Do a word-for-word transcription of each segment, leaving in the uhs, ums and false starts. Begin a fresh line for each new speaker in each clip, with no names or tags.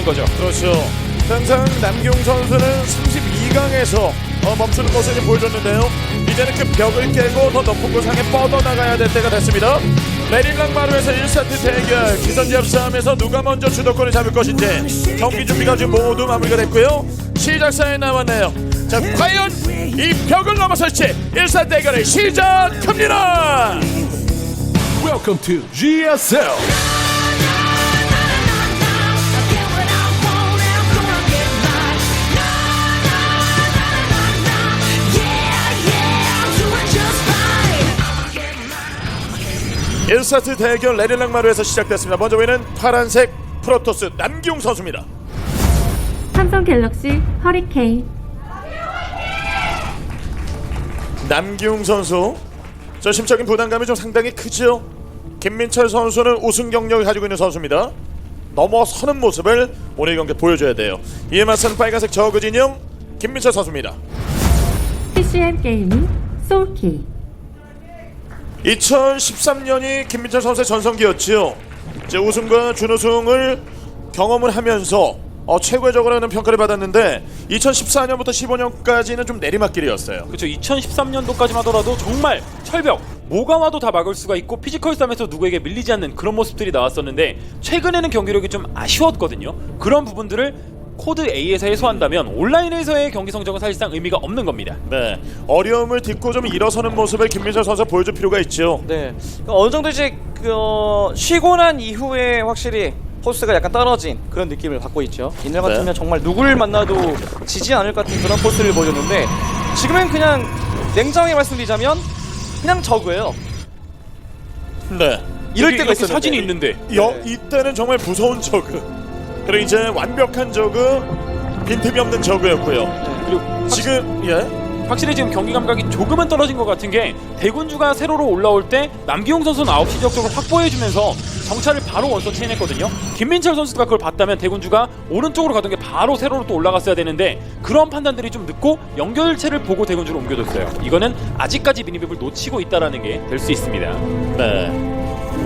있는 거죠.
그렇죠. 항상 남경 선수는 삼십이 강에서 어, 멈추는 모습을 보여줬는데요. 이제는 그 벽을 깨고 더 높은 곳 향해 뻗어나가야 될 때가 됐습니다. 메릴랑 마루에서 일 세트 대결 기선제압 싸움에서 누가 먼저 주도권을 잡을 것인지 경기 준비가 지금 모두 마무리가 됐고요. 시작사에 남았네요. 자, 과연 이 벽을 넘어설지 일 세트 대결을 시작합니다.
Welcome to 지에스엘.
일 세트 대결 레릴랑 마루에서 시작됐습니다. 먼저 보이는 파란색 프로토스 남기웅 선수입니다.
삼성 갤럭시 허리케인.
남기웅 선수, 저 심적인 부담감이 좀 상당히 크죠. 김민철 선수는 우승 경력을 가지고 있는 선수입니다. 넘어서는 모습을 오늘 경기 보여줘야 돼요. 이에 맞서는 빨간색 저그 진영 김민철 선수입니다.
피씨엠 게이밍 소울키.
이천십삼 년이 김민철 선수의 전성기였지요. 이제 우승과 준우승을 경험을 하면서 어, 최고적으로는 평가를 받았는데 이천십사 년부터 십오 년까지는 좀 내리막길이었어요.
그렇죠. 이천십삼 년도까지만 하더라도 정말 철벽, 뭐가 와도 다 막을 수가 있고 피지컬 싸움에서 누구에게 밀리지 않는 그런 모습들이 나왔었는데 최근에는 경기력이 좀 아쉬웠거든요. 그런 부분들을 코드 A에서 해소한다면 온라인에서의 경기 성적은 사실상 의미가 없는 겁니다.
네, 어려움을 딛고 좀 일어서는 모습을 김민철 선수가 보여줄 필요가 있죠.
네, 그러니까 어느 정도 이제 그 어, 쉬고 난 이후에 확실히 포스가 약간 떨어진 그런 느낌을 받고 있죠. 이날 같으면
네.
정말 누구를 만나도 지지 않을 것 같은 그런 포스를 보여줬는데 지금은 그냥 냉정하게 말씀드리자면 그냥 저그예요.
네,
이럴
여기,
때가
여기
있었는데
사진이 있는데
여,
네.
이때는 정말 무서운 저그. 그리고 이제 완벽한 저그, 빈틈이 없는 저그였고요.
그리고
지금 예.
확실히 지금 경기 감각이 조금은 떨어진 것 같은 게 대군주가 세로로 올라올 때 남기용 선수는 아홉 시 지역 쪽으로 확보해주면서 정찰을 바로 원서 체인했거든요. 김민철 선수가 그걸 봤다면 대군주가 오른쪽으로 가던 게 바로 세로로 또 올라갔어야 되는데 그런 판단들이 좀 늦고 연결체를 보고 대군주로 옮겨줬어요. 이거는 아직까지 미니맵을 놓치고 있다는 게 될 수 있습니다.
네.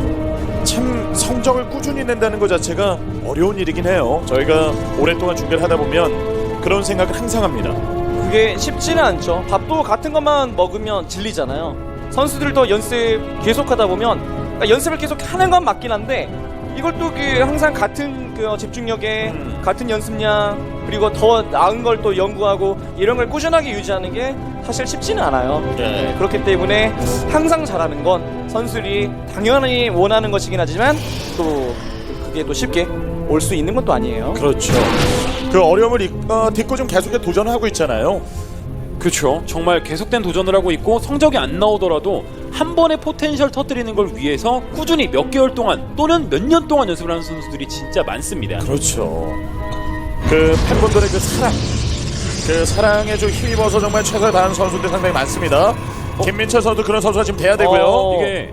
참 성적을 꾸준히 낸다는 것 자체가 어려운 일이긴 해요. 저희가 오랫동안 중계를 하다 보면 그런 생각을 항상 합니다.
그게 쉽지는 않죠. 밥도 같은 것만 먹으면 질리잖아요. 선수들도 연습 계속하다 보면 그러니까 연습을 계속 하는 건 맞긴 한데 이걸 또 그 항상 같은 그 집중력에
음.
같은 연습량 그리고 더 나은 걸 또 연구하고 이런 걸 꾸준하게 유지하는 게 사실 쉽지는 않아요.
네.
그렇기 때문에 항상 잘하는 건 선수들이 당연히 원하는 것이긴 하지만 또 그게 또 쉽게 올 수 있는 것도 아니에요.
그렇죠. 그 어려움을 이- 어, 딛고 좀 계속해서 도전하고 있잖아요.
그렇죠. 정말 계속된 도전을 하고 있고 성적이 안 나오더라도 한 번에 포텐셜 터뜨리는 걸 위해서 꾸준히 몇 개월 동안 또는 몇 년 동안 연습을 하는 선수들이 진짜 많습니다.
그렇죠. 그 팬분들의 그 사랑, 그 사랑에 좀 힘입어서 정말 최선을 다하는 선수들이 상당히 많습니다. 김민철 선수 그런 선수가 지금 돼야 되고요.
어.
이게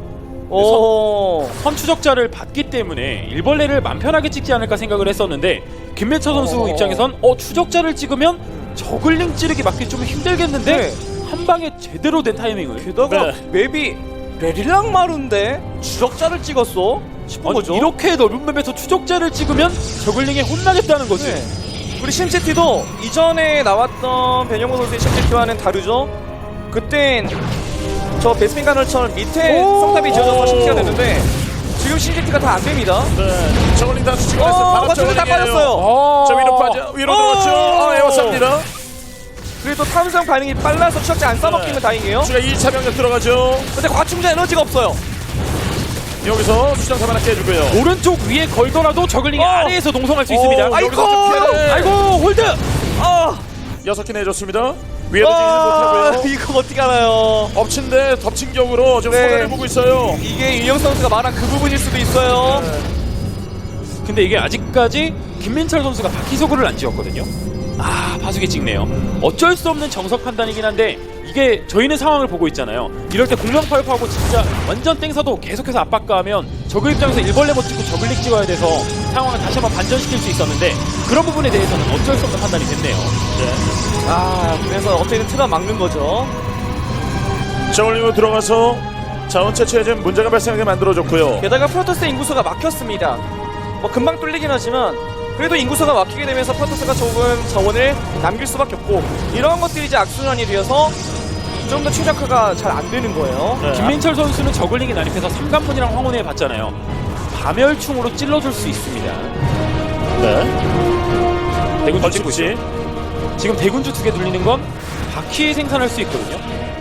오.
선추적자를 받기 때문에 일벌레를 맘 편하게 찍지 않을까 생각을 했었는데 김민철 선수
어.
입장에선 어 추적자를 찍으면 저글링 찌르기 맞기 좀 힘들겠는데
네.
한 방에 제대로 된 타이밍을
게다가
네.
맵이 레릴랑 마루인데 추적자를 찍었어? 싶은
아니,
거죠.
이렇게 넓은 맵에서 추적자를 찍으면 저글링에 혼나겠다는 거지.
네. 우리 심시티도 이전에 나왔던 변형호 선수의 심시티와는 다르죠. 그땐 저 베스핀 가널처럼 밑에
오!
성탑이 지어져서 심시티가 됐는데 지금 심시티가 다 안 됩니다.
네, 저걸링 다 수치고
어,
있어요. 바로
맞춰서 다
저걸링이에요.
빠졌어요.
어.
저 위로 빠져, 위로
어.
들어갔죠. 아, 에워쌉니다.
그래도 탐성 반응이 빨라서 추적자 안 싸먹히면
네.
다행이에요.
추가 이 차 병력 들어가죠.
근데 과충전 에너지가 없어요.
여기서 수정탑 하나 깨주고요.
오른쪽 위에 걸더라도 저글링이
어.
아래에서 동성할 수
어,
있습니다.
여기서
아이고!
좀 피해를.
아이고 홀드.
아,
여섯 개 내줬습니다. 위에도 지지
아
못하고요.
이거 어떻게 알아요?
엎친데 덮친 격으로 지금
네.
손해를 보고 있어요.
이게 윤영 선수가 말한 그 부분일 수도 있어요.
근데 이게 아직까지 김민철 선수가 바퀴소구를 안 지었거든요. 아 파수기 찍네요. 어쩔 수 없는 정석 판단이긴 한데 이게 저희는 상황을 보고 있잖아요. 이럴 때 공명파이프하고 진짜 완전 땡사도 계속해서 압박가하면 저그 입장에서 일벌레 못 찍고 저글릭 찍어야 돼서 상황을 다시 한번 반전시킬 수 있었는데 그런 부분에 대해서는 어쩔 수 없는 판단이 됐네요.
아 그래서 어떻게든 틀어 막는 거죠.
저울링으로 들어가서 자원 채취에 좀 문제가 발생하게 만들어줬고요.
게다가 프로토스 인구수가 막혔습니다. 뭐 금방 뚫리긴 하지만 그래도 인구수가 막히게 되면서 프로토스가 조금 자원을 남길 수밖에 없고 이런 것들이 이제 악순환이 되어서 좀 더 최적화가 잘 안 되는 거예요.
네.
김민철 선수는 저글링이 난입해서 삼관문이랑 황혼에 봤잖아요. 파멸충으로 찔러줄 수 있습니다.
네.
대군주 찍고
벌칙지.
있죠. 지금 대군주 두 개 돌리는 건 바퀴 생산할 수 있거든요.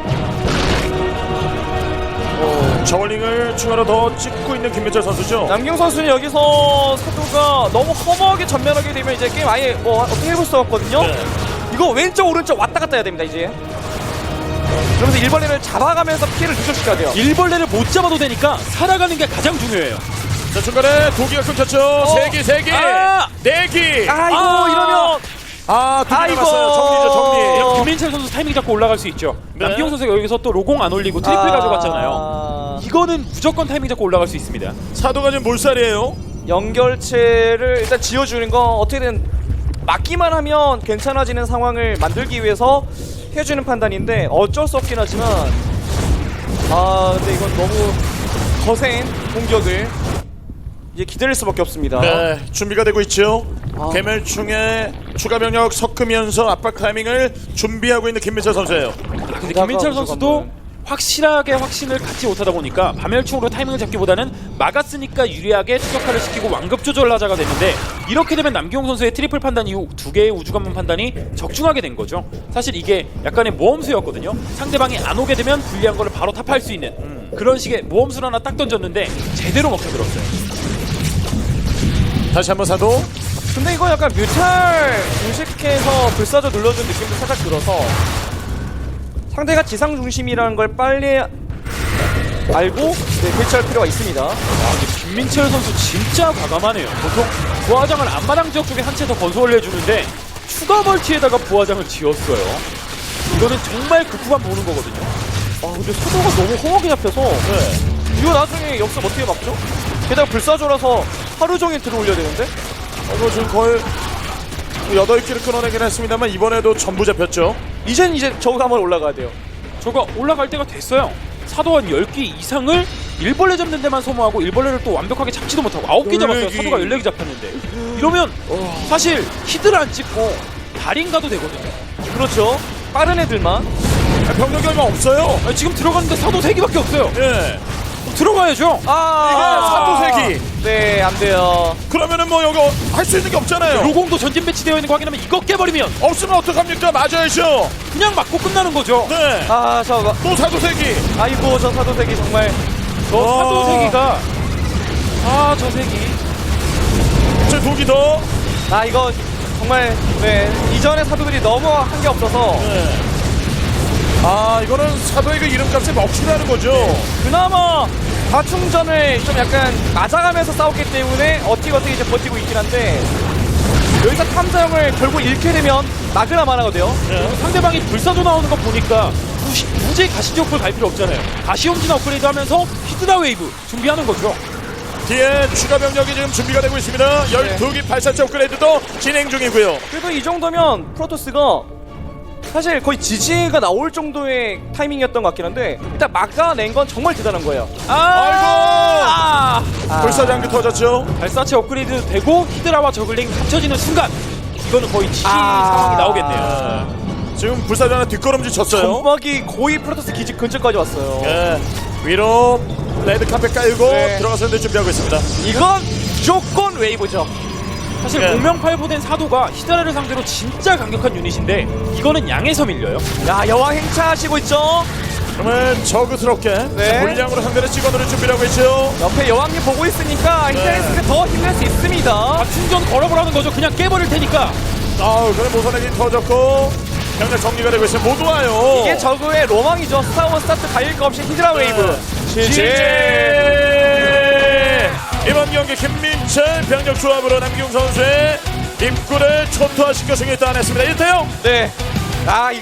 저울링을 추가로 더 찍고 있는 김민철 선수죠.
남경 선수는 여기서 사도가 너무 허무하게 전면하게 되면 이제 게임 아예 뭐 어떻게 해볼 수 없거든요.
네.
이거 왼쪽 오른쪽 왔다 갔다 해야 됩니다 이제. 그러면서 일벌레를 잡아가면서 피해를 누적시켜야 돼요.
일벌레를 못 잡아도 되니까 살아가는 게 가장 중요해요.
자, 중간에 도기가 끊겼죠. 세 기, 세 기,
아!
네 기.
아 이거
아!
이러면
아, 두 개
아이고.
남았어요. 정리죠, 정리.
어.
김민철 선수 타이밍 잡고 올라갈 수 있죠.
네.
남기용 선수가 여기서 또 로공 안 올리고 트리플
아.
가져갔잖아요. 이거는 무조건 타이밍 잡고 올라갈 수 있습니다.
사도가 지금 몰살이에요.
연결체를 일단 지어주는 건 어떻게든 막기만 하면 괜찮아지는 상황을 만들기 위해서 해주는 판단인데 어쩔 수 없긴 하지만 아 근데 이건 너무 거센 공격을 이제 기다릴 수밖에 없습니다.
네, 준비가 되고 있죠.
아.
개멸충에 추가 병력 섞으면서 압박 타이밍을 준비하고 있는 김민철 선수예요.
아, 근데 김민철 선수도 확실하게 확신을 갖지 못하다 보니까 밤열충으로 타이밍을 잡기보다는 막았으니까 유리하게 추적화를 시키고 완급 조절하자가 됐는데 이렇게 되면 남기용 선수의 트리플 판단 이후 두 개의 우주관문 판단이 적중하게 된 거죠. 사실 이게 약간의 모험수였거든요. 상대방이 안 오게 되면 불리한 거를 바로 탑할 수 있는 음, 그런 식의 모험수를 하나 딱 던졌는데 제대로 먹혀들었어요.
다시 한번 사도.
근데 이거 약간 뮤탈 공식해서 불사조 눌러준 느낌도 살짝 들어서 상대가 지상 중심이라는 걸 빨리 알고 네, 대처할 필요가 있습니다.
아, 근데 김민철 선수 진짜 과감하네요. 보통 부하장을 앞마당 지역 쪽에 한 채 더 건설을 해주는데 추가 멀티에다가 부하장을 지었어요. 이거는 정말 극후반 보는 거거든요.
아 근데 소도가 너무 험하게 잡혀서
네.
이거 나중에 역습 어떻게 막죠? 게다가 불사조라서 하루 종일 들어올려야 되는데?
어, 지금 거의 여덟 기를 끊어내긴 했습니다만 이번에도 전부 잡혔죠.
이젠 이제 저거 한번 올라가야 돼요.
저거 올라갈 때가 됐어요. 사도 한 열 기 이상을 일벌레 잡는 데만 소모하고 일벌레를 또 완벽하게 잡지도 못하고 아홉 기 잡았어요.
열네 기.
사도가 열네 기 잡혔는데 이러면 사실 히드를 안 찍고 달인 가도 되거든요.
그렇죠. 빠른 애들만.
아, 병력이 얼마 없어요.
아니, 지금 들어갔는데 사도 세 기밖에 없어요.
예.
들어가야죠.
아
이거 사도 세 기.
네, 안 돼요.
그러면은 뭐 여기 할 수 있는 게 없잖아요.
로공도 전진 배치되어 있는 거 확인하면 이거 깨버리면
없으면 어떡합니까? 맞아야죠.
그냥 맞고 끝나는 거죠.
네.
아, 저거.
또 사도 세 기.
아이고, 저 사도색이 정말.
저
와.
사도 세 기가 아 저 세 기.
저 두 기 더.
아, 이거 정말, 네. 이전에 사도들이 너무 한 게 없어서.
네. 아, 이거는 사도의 그 이름값에 먹히라는 거죠.
그나마 과충전을 좀 약간 맞아가면서 싸웠기 때문에 어떻게 어떻게 이제 버티고 있긴 한데 여기서 탐사형을 결국 잃게 되면 막으나 마나거든요.
네.
상대방이 불사조 나오는 거 보니까 굳이, 굳이 가시지옥불 갈 필요 없잖아요. 가시홈진 업그레이드 하면서 히드라 웨이브 준비하는 거죠.
뒤에 추가 병력이 지금 준비가 되고 있습니다. 열두 기 발사체 업그레이드도 진행 중이고요.
그래도 이 정도면 프로토스가 사실 거의 지지가 나올 정도의 타이밍이었던 것 같긴 한데 일단 막아낸 건 정말 대단한 거예요.
아,
아이고! 불사장기 터졌죠.
발사체 업그레이드 되고 히드라와 저글링 합쳐지는 순간 이거는 거의 지지
아.
상황이 나오겠네요.
네. 지금 불사장은 뒷걸음질 쳤어요.
점막이 거의 프로토스 기지 근처까지 왔어요.
예. 위로 레드 카펫 깔고
네.
들어가서 준비하고 있습니다.
이건 무조건 웨이브죠.
사실
네.
공명팔보된 사도가 히드라를 상대로 진짜 강력한 유닛인데 이거는 양에서 밀려요.
야, 여왕 행차하시고 있죠.
정말 저그스럽게
네.
물량으로 상대를 찍어놓을 준비를 하고 있죠.
옆에 여왕님 보고 있으니까 히드라리스크 더 힘낼 수 있습니다.
아, 충전 걸어보라는 거죠. 그냥 깨버릴 테니까.
아우, 그래 모선액이 터졌고 병력 정리가 되고 있어요. 모두 와요.
이게 저그의 로망이죠. 스타원 스타트 달릴 거 없이 히드라 웨이브.
지지. 이번 경기 김민철 병력 조합으로 남기웅 선수의 입구를 초토화시켜 승리 따냈습니다. 일 대 영.
네. 아, 이거